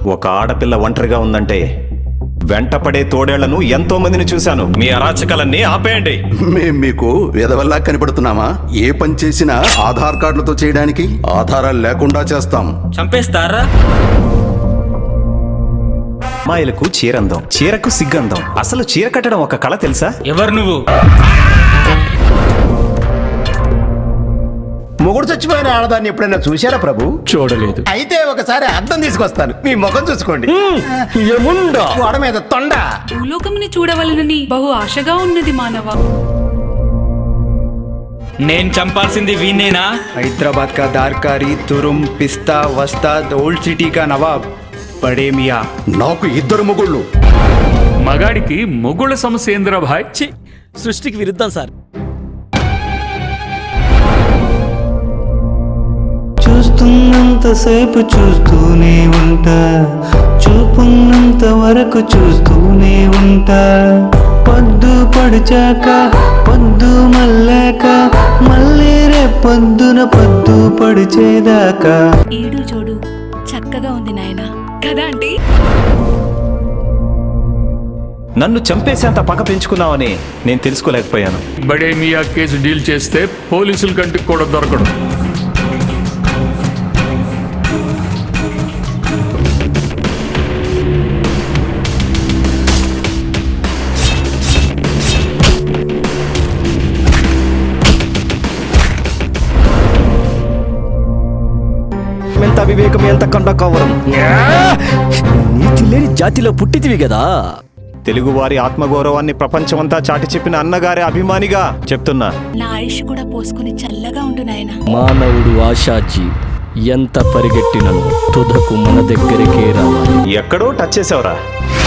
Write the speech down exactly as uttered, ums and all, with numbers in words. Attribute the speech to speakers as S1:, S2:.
S1: ఒక ఆడపిల్ల ఒంటరిగా ఉందంటే వెంటపడే తోడేళ్లను ఎంతో మందిని చూశాను. మీ అరాచకాలన్నీ ఆపేయండి.
S2: మేం మీకు విధవల్లా కనిపడుతున్నామా? ఏ పని చేసినా ఆధార్ కార్డులతో చేయడానికి ఆధారాలు లేకుండా చేస్తాం.
S3: చంపేస్తారా?
S1: అమ్మాయిలకు చీరందం, చీరకు సిగ్గందం. అసలు చీర కట్టడం ఒక కళ తెలుసా?
S3: ఎవరు నువ్వు?
S4: మొగుడు చచ్చిపోయిన ఆడదాన్ని ఎప్పుడైనా చూశారా ప్రభు?
S5: చూడలేదు.
S4: అయితే ఒకసారి అద్దం తీసుకొస్తాను, మీ ముఖం చూసుకోండి.
S5: ఏముండా
S4: గోడ మీద తొండ.
S6: భూలోకముని చూడవలనని బహు ఆశగా ఉన్నది మానవ.
S3: నేను చంపాల్సింది వీణేనా?
S7: हैदराबाद का दारकारी, तुरुम, पिस्ता, वस्ताद, ओल्ड सिटी का नवाब बड़े मियाँ.
S2: నాకు ఇద్దరు మొగుళ్ళు.
S5: మగాడికి మొగుళ్ళ సమస్య ఏందిరా భాయ్?
S8: సృష్టికి విరుద్ధం సార్.
S9: చూస్తున్నంతసేపు చూస్తూనే ఉంటా, చూపున్నంత వరకు చూస్తూనే ఉంటా. పొద్దు పొడిచాక పొద్దు మల్లాక మళ్ళీ రేపొద్దున పొద్దు పొడిచేదాకా.
S6: ఈడు జోడు చక్కగా ఉంది నాయనా, కదా ఆంటీ?
S1: నన్ను చంపేసేంత పగ పెంచుకున్నావని నేను తెలుసుకోలేకపోయాను.
S5: బడే మియా కేసు డీల్ చేస్తే పోలీసుల కంటికి కూడా దొరకడు.
S8: ఎంత వివేకం, ఎంత కండ కవరం. నీతి లేని జాతిలో పుట్టితివి కదా.
S1: తెలుగువారి ఆత్మగౌరవాన్ని ప్రపంచమంతా చాటి చెప్పిన అన్నగారి అభిమానిగా చెప్తున్నా.
S6: నా ఆయుష్ కూడా పోసుకుని చల్లగా ఉండు నాయనా.
S8: మానవుడు ఆశాజీ, ఎంత పరిగెట్టినను తుదకు మన దగ్గరికే రావాలి.
S1: ఎక్కడో టచ్ చేసావురా.